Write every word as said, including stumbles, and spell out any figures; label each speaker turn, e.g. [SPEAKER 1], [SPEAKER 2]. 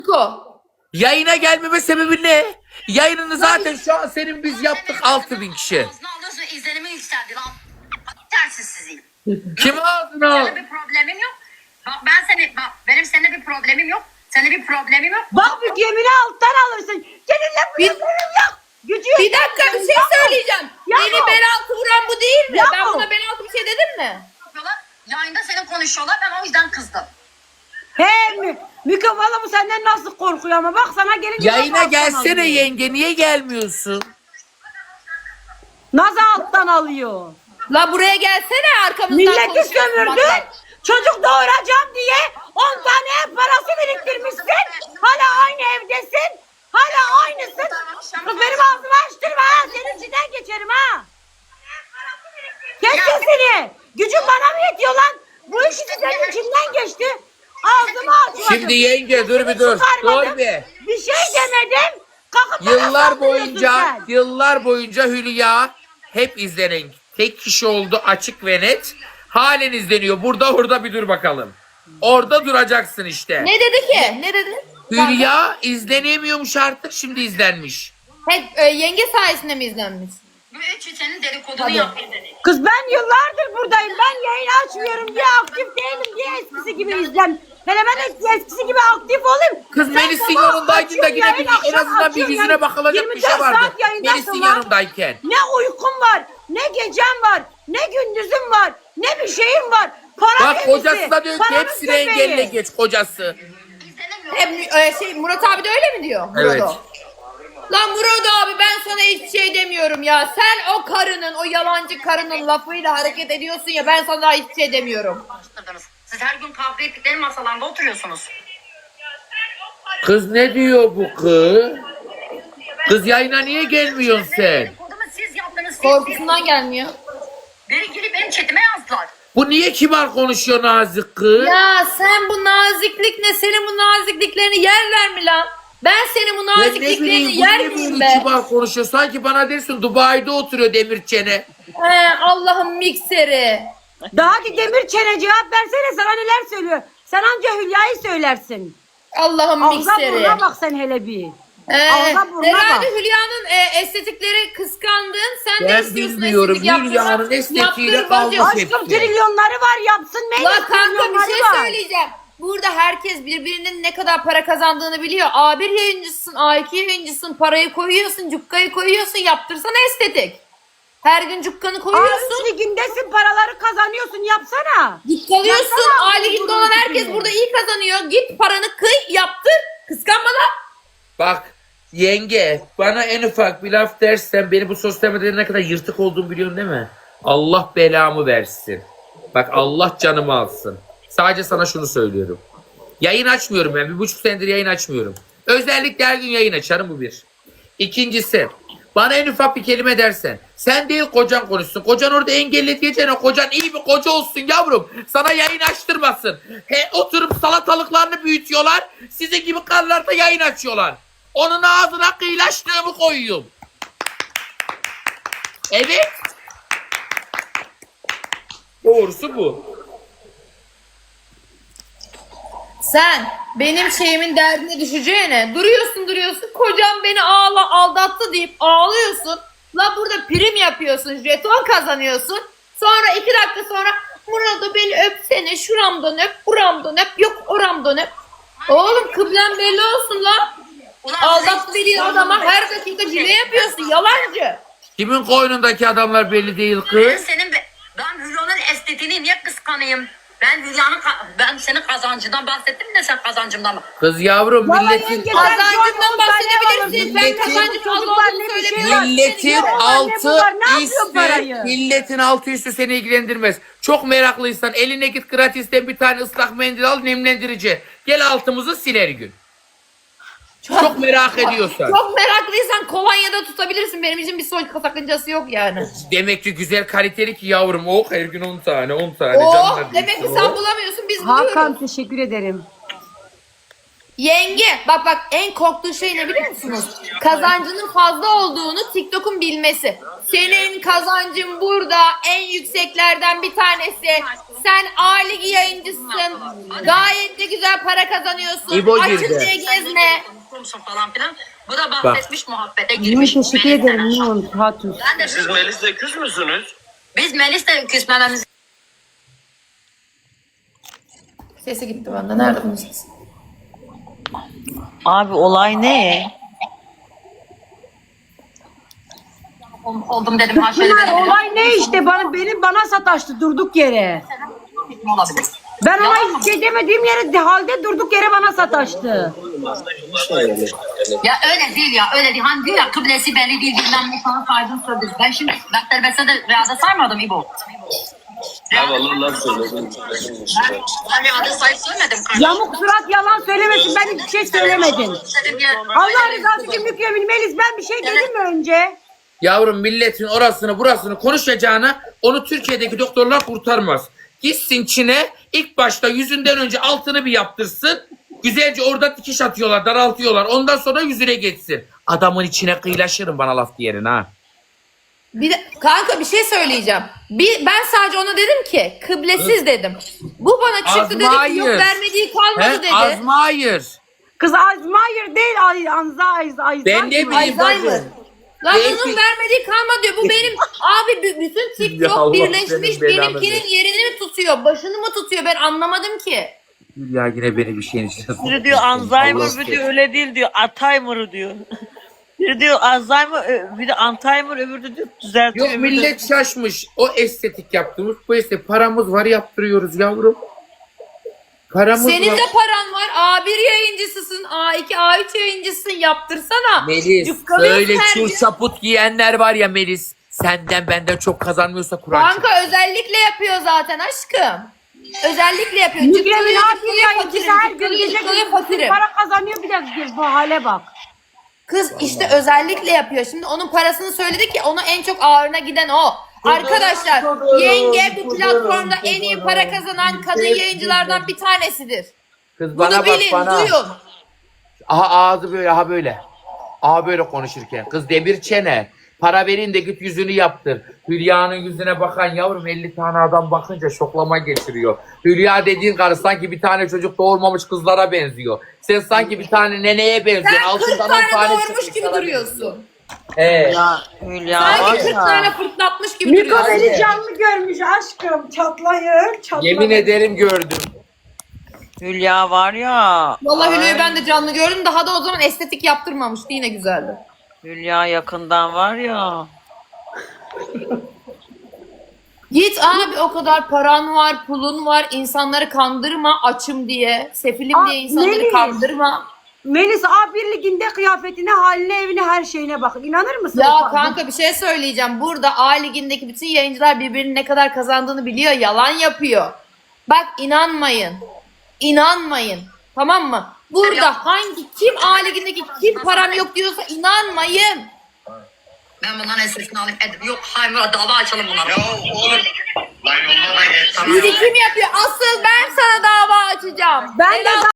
[SPEAKER 1] Ko.
[SPEAKER 2] Yayına gelmeme sebebi ne? Yayınını zaten şu an senin biz yaptık altı bin kişi.
[SPEAKER 3] Ağzına alıyorsun, izlenimi yükseldi lan. Tersiz sizin.
[SPEAKER 2] Kim ağzına al?
[SPEAKER 3] Seninle bir problemim yok. Bak ben seni, bak benim seninle bir problemim yok. Seninle bir problemim yok.
[SPEAKER 4] Bak bir gemini alttan alırsın. Seninle bir problemim yok. Gücü
[SPEAKER 1] Bir dakika bir şey söyleyeceğim.
[SPEAKER 4] Yahu.
[SPEAKER 1] Beni bel altı vuran bu değil mi?
[SPEAKER 4] Yahu.
[SPEAKER 1] Ben buna bel altı bir şey dedim mi?
[SPEAKER 3] Yapıyorlar. Yayında seni konuşuyorlar. Ben o yüzden kızdım.
[SPEAKER 4] He mi? Mikrofonu mu senden nasıl korkuyor ama bak sana gelince
[SPEAKER 2] Yayına
[SPEAKER 4] nasıl alttan
[SPEAKER 2] gelsene
[SPEAKER 4] alıyor.
[SPEAKER 2] yenge, niye gelmiyorsun?
[SPEAKER 4] Nasıl alttan alıyor?
[SPEAKER 1] La buraya gelsene arkamızdan
[SPEAKER 4] Milleti
[SPEAKER 1] konuşuyorsun
[SPEAKER 4] sömürdün.
[SPEAKER 1] bak.
[SPEAKER 4] Çocuk doğuracağım diye on tane ev parası biriktirmişsin. Hala aynı evdesin. Hala aynısın. Kız benim ağzımı açtırma ha. Senin içinden geçerim ha. Kes sesini. Gücün bana mı yetiyor lan? Bu işi senin içinden geçti. Ağzımı açmadım.
[SPEAKER 2] Şimdi yenge dur bir dur. Dur bir.
[SPEAKER 4] Bir şey demedim. Kalkıp bana
[SPEAKER 2] Yıllar
[SPEAKER 4] saldırıyorsun
[SPEAKER 2] boyunca,
[SPEAKER 4] sen.
[SPEAKER 2] yıllar boyunca Hülya hep izlenen tek kişi oldu, açık ve net. Halen izleniyor. Burada orada bir dur bakalım. Orada duracaksın işte.
[SPEAKER 1] Ne dedi ki? Ne dedi?
[SPEAKER 2] Hülya izlenemiyormuş artık, şimdi izlenmiş.
[SPEAKER 1] Hep e, yenge sayesinde mi izlenmiş?
[SPEAKER 3] Bu üç senin dedikodunu
[SPEAKER 1] Hadi.
[SPEAKER 3] yapıyor dedi.
[SPEAKER 4] Kız ben yıllardır buradayım. Ben yayın açmıyorum diye aktif değilim diye eskisi gibi izlen. Hele ben eskisi gibi aktif olayım.
[SPEAKER 2] Kız
[SPEAKER 4] Sen
[SPEAKER 2] Melis'in
[SPEAKER 4] sabah
[SPEAKER 2] yanındaydın da
[SPEAKER 4] açıyorsun
[SPEAKER 2] yine
[SPEAKER 4] yayın,
[SPEAKER 2] bir, en
[SPEAKER 4] akşam
[SPEAKER 2] azından bir
[SPEAKER 4] açıyorsun
[SPEAKER 2] yüzüne
[SPEAKER 4] yayın.
[SPEAKER 2] bakılacak bir şey
[SPEAKER 4] yirmi dört
[SPEAKER 2] vardı.
[SPEAKER 4] saat yayındasın
[SPEAKER 2] Melis'in
[SPEAKER 4] lan.
[SPEAKER 2] yanındayken.
[SPEAKER 4] Ne uykum var, ne gecem var, ne gündüzüm var, ne bir şeyim var. Para
[SPEAKER 2] Bak
[SPEAKER 4] hepsi,
[SPEAKER 2] kocası da diyor ki
[SPEAKER 4] paranın
[SPEAKER 2] hepsini
[SPEAKER 4] köpeği.
[SPEAKER 2] engelle geç kocası.
[SPEAKER 3] İzlenemiyor.
[SPEAKER 1] Hep e, şey Murat abi de öyle mi diyor? Murat
[SPEAKER 2] Evet.
[SPEAKER 1] o. Lan Murat abi ben sana hiçbir şey demiyorum ya. Sen o karının, o yalancı karının lafıyla hareket ediyorsun ya ben sana hiçbir şey demiyorum.
[SPEAKER 3] Konuşturdunuz. Siz her gün kavga ettikleri masalarda oturuyorsunuz.
[SPEAKER 2] Kız ne diyor bu kız? Kız yayına niye gelmiyorsun sen?
[SPEAKER 3] Dedikodumu siz yaptınız. Siz,
[SPEAKER 1] Korkusundan gelmiyor.
[SPEAKER 3] siz. Beni gelip benim chatime yazdılar.
[SPEAKER 2] Bu niye kibar konuşuyor nazik kız?
[SPEAKER 1] Ya sen bu naziklik ne? Senin bu nazikliklerini yerler mi lan? Ben senin bu
[SPEAKER 2] Ben ne
[SPEAKER 1] nazikliklerini
[SPEAKER 2] bileyim bu
[SPEAKER 1] yer
[SPEAKER 2] niye
[SPEAKER 1] miyim
[SPEAKER 2] böyle
[SPEAKER 1] be?
[SPEAKER 2] kibar konuşuyor? Sanki bana dersin Dubai'de oturuyor demir çene.
[SPEAKER 1] He, Allah'ın mikseri.
[SPEAKER 4] Daha ki demir çene cevap versene sana neler söylüyor. Sen anca Hülya'yı söylersin.
[SPEAKER 1] Allah'ın
[SPEAKER 4] Ağza
[SPEAKER 1] mikseri.
[SPEAKER 4] burnuna bak sen hele bir.
[SPEAKER 1] Ee,
[SPEAKER 4] Ağza burnuna
[SPEAKER 1] herhalde
[SPEAKER 4] bak.
[SPEAKER 1] Hülya'nın e, estetikleri kıskandın. Sen de
[SPEAKER 2] Ben
[SPEAKER 1] istiyorsun
[SPEAKER 2] bilmiyorum.
[SPEAKER 1] estetik yaptırmak.
[SPEAKER 2] Hülya'nın estetiğiyle
[SPEAKER 1] Yaptır
[SPEAKER 2] kavga
[SPEAKER 1] bacım.
[SPEAKER 2] et.
[SPEAKER 4] Aşkım trilyonları var yapsın. Meyve
[SPEAKER 1] La kanka bir
[SPEAKER 4] trilyonları
[SPEAKER 1] şey
[SPEAKER 4] var.
[SPEAKER 1] söyleyeceğim. Burada herkes birbirinin ne kadar para kazandığını biliyor. A bir yayıncısın, A iki yayıncısın, parayı koyuyorsun, cukkayı koyuyorsun, yaptırsana estetik. Her gün cukkanı
[SPEAKER 4] A
[SPEAKER 1] koyuyorsun.
[SPEAKER 4] üç ligindesin paraları kazanıyorsun yapsana.
[SPEAKER 1] Kalıyorsun.
[SPEAKER 4] Yapsana
[SPEAKER 1] A
[SPEAKER 4] abi,
[SPEAKER 1] liginde
[SPEAKER 4] bunun
[SPEAKER 1] olan herkes
[SPEAKER 4] tipini.
[SPEAKER 1] burada iyi kazanıyor. Git paranı kıy, yaptır. Kıskanma lan.
[SPEAKER 2] Bak yenge bana en ufak bir laf dersen beni bu sosyal medyada ne kadar yırtık olduğumu biliyorsun değil mi? Allah belamı versin. Bak Allah canımı alsın. Sadece sana şunu söylüyorum. Yayın açmıyorum ben. Bir buçuk senedir yayın açmıyorum. Özellikle her gün yayın açarım, bu bir. İkincisi bana en ufak bir kelime dersen sen değil kocan konuşsun. Kocan orada engelli diyeceğine kocan iyi bir koca olsun yavrum. Sana yayın açtırmasın. He, oturup salatalıklarını büyütüyorlar. Sizin gibi karılar da yayın açıyorlar. Onun ağzına kıyılaştığımı koyuyorum. Evet. Doğrusu bu.
[SPEAKER 1] Sen benim şeyimin derdine düşeceğine duruyorsun duruyorsun kocam beni ağla aldattı deyip ağlıyorsun. La burada prim yapıyorsun, jeton kazanıyorsun. Sonra iki dakika sonra Murat'ı beni öpsene, şuramdan öp, buramdan öp, yok oramdan öp. Oğlum kıblen belli olsun la.
[SPEAKER 3] Ulan
[SPEAKER 1] Aldattı dediğin adama her dakika cile yapıyorsun, yalancı.
[SPEAKER 2] Kimin koynundaki adamlar belli değil
[SPEAKER 3] Ben
[SPEAKER 2] kız.
[SPEAKER 3] senin be- ben Hülya'nın estetiğini niye kıskanayım? Ben Hülya'nın ka- ben senin kazancından bahsettim de sen kazancımdan mı?
[SPEAKER 2] Kız yavrum
[SPEAKER 4] Vallahi
[SPEAKER 2] milletin
[SPEAKER 4] yenge,
[SPEAKER 1] Kazancından bahsedebilirsin. Ben
[SPEAKER 2] Milletin-
[SPEAKER 1] kazancın az
[SPEAKER 4] Çocuk var,
[SPEAKER 1] olduğunu
[SPEAKER 4] ne bir şey
[SPEAKER 1] söylemiyorum.
[SPEAKER 4] var.
[SPEAKER 2] Milletin
[SPEAKER 4] Ne var, ne
[SPEAKER 2] altı
[SPEAKER 4] var, ne yapıyor
[SPEAKER 2] üstü,
[SPEAKER 4] parayı?
[SPEAKER 2] milletin altı üstü seni ilgilendirmez. Çok meraklıysan eline git gratisten bir tane ıslak mendil al, nemlendirici. Gel altımızı sil her gün. Çok merak ediyorsan.
[SPEAKER 1] Çok meraklıysan kolonyada tutabilirsin. Benim için bir soy sakıncası yok yani.
[SPEAKER 2] Demek ki güzel kaliteli ki yavrum. Oh her gün on tane on tane.
[SPEAKER 1] Oh
[SPEAKER 2] canlar
[SPEAKER 1] demek ki
[SPEAKER 2] diyorsun.
[SPEAKER 1] sen
[SPEAKER 2] Oh.
[SPEAKER 1] bulamıyorsun biz buluyoruz.
[SPEAKER 4] Hakan teşekkür ederim.
[SPEAKER 1] Yenge bak bak en korktuğu şey ne biliyor musunuz? Kazancının fazla olduğunu TikTok'un bilmesi. Senin kazancın burada en yükseklerden bir tanesi. Sen A Ligi yayıncısın. Gayet de güzel para kazanıyorsun.
[SPEAKER 2] İbo
[SPEAKER 1] Açın
[SPEAKER 2] girdi.
[SPEAKER 1] diye gezme.
[SPEAKER 3] Kumsun falan filan. Bu da bahsetmiş muhabbete
[SPEAKER 4] Niye
[SPEAKER 3] girmiş.
[SPEAKER 4] teşekkür
[SPEAKER 3] Melis'le.
[SPEAKER 4] ederim. Niye onu Hatun?
[SPEAKER 3] Ben de
[SPEAKER 5] Siz Melis'le küs müsünüz?
[SPEAKER 3] Biz Melis'le küsmememiz
[SPEAKER 1] Sesi gitti bende. Nerede bunun sesi?
[SPEAKER 6] Abi olay ne?
[SPEAKER 3] oldum dedim. Ha şöyle
[SPEAKER 4] Bunlar
[SPEAKER 3] dedim.
[SPEAKER 4] olay ne işte bana benim bana sataştı durduk yere.
[SPEAKER 3] Olabilir.
[SPEAKER 4] Ben ona hiç şey demediğim yere halde durduk yere bana sataştı.
[SPEAKER 3] Ya öyle değil ya öyle değil. Hani diyor ya kıblesi belli değil bilmem ne sana saydın söyledin. Ben şimdi ben terbiyesine de rüyada saymadım İbo.
[SPEAKER 5] Ya vallahi laf söyledim.
[SPEAKER 3] Ben, ben rüyada sayıp söylemedim kardeşim.
[SPEAKER 4] Yamuk surat yalan söylemesin ben hiçbir şey söylemedim.
[SPEAKER 3] Dedim ya,
[SPEAKER 4] Allah rızası için mükemmel Melis ben bir şey dedim mi önce?
[SPEAKER 2] Yavrum milletin orasını burasını konuşacağına onu Türkiye'deki doktorlar kurtarmaz. Gitsin Çin'e ilk başta yüzünden önce altını bir yaptırsın. Güzelce orada dikiş atıyorlar, daraltıyorlar. Ondan sonra yüzüne geçsin. Adamın içine kıyılaşırım bana laf diyerin ha.
[SPEAKER 1] Bir de, kanka bir şey söyleyeceğim. Bir, ben sadece ona dedim ki kıblesiz dedim. Bu bana çıktı dedi ki yok
[SPEAKER 2] Azmayır.
[SPEAKER 1] vermediği kalmadı
[SPEAKER 2] He?
[SPEAKER 1] dedi.
[SPEAKER 2] Azmayır.
[SPEAKER 4] Kız Alzheimer değil Ay, Anza Alzheimer.
[SPEAKER 2] Ben ne bileyim
[SPEAKER 1] Alzheimer.
[SPEAKER 2] bacım.
[SPEAKER 1] Lan
[SPEAKER 2] Belki-
[SPEAKER 1] bunun vermediği kalmadı diyor. Bu benim abi b- bütün
[SPEAKER 2] Ya
[SPEAKER 1] TikTok
[SPEAKER 2] Allah
[SPEAKER 1] birleşmiş
[SPEAKER 2] senin belanı
[SPEAKER 1] benimkinin
[SPEAKER 2] versin.
[SPEAKER 1] yerini mi tutuyor? Başını mı tutuyor? Ben anlamadım ki.
[SPEAKER 2] Ya yine beni bir şeyin içine
[SPEAKER 6] Biri diyor Alzheimer, biri diyor öyle değil diyor. Alzheimer diyor. Biri diyor Alzheimer, ö- biri Alzheimer, öbürü de diyor düzeltiyor.
[SPEAKER 2] Yok
[SPEAKER 6] öbürü de-
[SPEAKER 2] millet şaşmış. O estetik yaptığımız bu estetik. Paramız var yaptırıyoruz yavrum. Paramız
[SPEAKER 1] Senin
[SPEAKER 2] var.
[SPEAKER 1] de paran var. A bir yayıncısısın. A iki, A üç yayıncısın. Yaptırsana.
[SPEAKER 2] Melis
[SPEAKER 1] Yufkalıyorsun
[SPEAKER 2] böyle
[SPEAKER 1] her
[SPEAKER 2] çul
[SPEAKER 1] gün.
[SPEAKER 2] çaput giyenler var ya Melis. Senden benden çok kazanmıyorsa Kur'an çek.
[SPEAKER 1] Kanka özellikle yapıyor zaten aşkım. Özellikle yapıyor.
[SPEAKER 4] Mükemmel
[SPEAKER 1] Cıkkılıyor,
[SPEAKER 4] abi
[SPEAKER 1] cıkkılıyor,
[SPEAKER 4] yayıncısı
[SPEAKER 1] fakirim,
[SPEAKER 4] her gün
[SPEAKER 1] cıkkılıyor,
[SPEAKER 4] gece
[SPEAKER 1] cıkkılıyor,
[SPEAKER 4] gündüz
[SPEAKER 1] fakirim.
[SPEAKER 4] para kazanıyor bir de bu hale bak.
[SPEAKER 1] Kız işte özellikle yapıyor. Şimdi onun parasını söyledi ki onu en çok ağırına giden o. Arkadaşlar yenge bu platformda en iyi para kazanan kadın yayıncılardan bir tanesidir.
[SPEAKER 2] Kız bana
[SPEAKER 1] Bunu
[SPEAKER 2] bak
[SPEAKER 1] bilin,
[SPEAKER 2] bana.
[SPEAKER 1] duyun.
[SPEAKER 2] Aha ağzı böyle aha böyle. Aha böyle konuşurken. Kız demir çene. Para verin de git yüzünü yaptır. Hülya'nın yüzüne bakan yavrum elli tane adam bakınca şoklama geçiriyor. Hülya dediğin karı sanki bir tane çocuk doğurmamış kızlara benziyor. Sen sanki bir tane neneye benziyorsun.
[SPEAKER 1] Sen kırk
[SPEAKER 2] Altından on
[SPEAKER 1] tane doğurmuş
[SPEAKER 2] çıkmış
[SPEAKER 1] gibi
[SPEAKER 2] sana
[SPEAKER 1] duruyorsun.
[SPEAKER 2] He.
[SPEAKER 6] Ya Hülya var
[SPEAKER 1] Sanki kırk
[SPEAKER 6] ya.
[SPEAKER 1] tane fırtlatmış gibi
[SPEAKER 4] Miko
[SPEAKER 1] duruyorsun.
[SPEAKER 4] beni canlı görmüş aşkım çatlayır çatlayır.
[SPEAKER 2] Yemin ederim gördüm.
[SPEAKER 6] Hülya var ya.
[SPEAKER 1] Vallahi
[SPEAKER 6] Ay,
[SPEAKER 1] Hülya'yı ben de canlı gördüm. Daha da o zaman estetik yaptırmamıştı. Yine güzeldi.
[SPEAKER 6] Hülya yakından var ya.
[SPEAKER 1] Git abi o kadar paran var, pulun var. İnsanları kandırma açım diye. Sefilim
[SPEAKER 4] Aa,
[SPEAKER 1] diye insanları
[SPEAKER 4] Melis.
[SPEAKER 1] kandırma.
[SPEAKER 4] Melis A bir liginde kıyafetine, haline, evine, her şeyine bak. İnanır mısın?
[SPEAKER 1] Ya kanka bir şey söyleyeceğim. Burada A ligindeki bütün yayıncılar birbirinin ne kadar kazandığını biliyor. Yalan yapıyor. Bak inanmayın. İnanmayın. Tamam mı? Burada hangi kim A ligindeki kim param yok diyorsa inanmayın.
[SPEAKER 3] Ben bunların esesini alayım. Ed- Yok hayır dava açalım bunlara.
[SPEAKER 5] Ya oğlum. Lan yolla da geç.
[SPEAKER 3] Tamam.
[SPEAKER 1] Birikim yapıyor. Asıl ben sana dava açacağım.
[SPEAKER 4] Ben de
[SPEAKER 1] Benim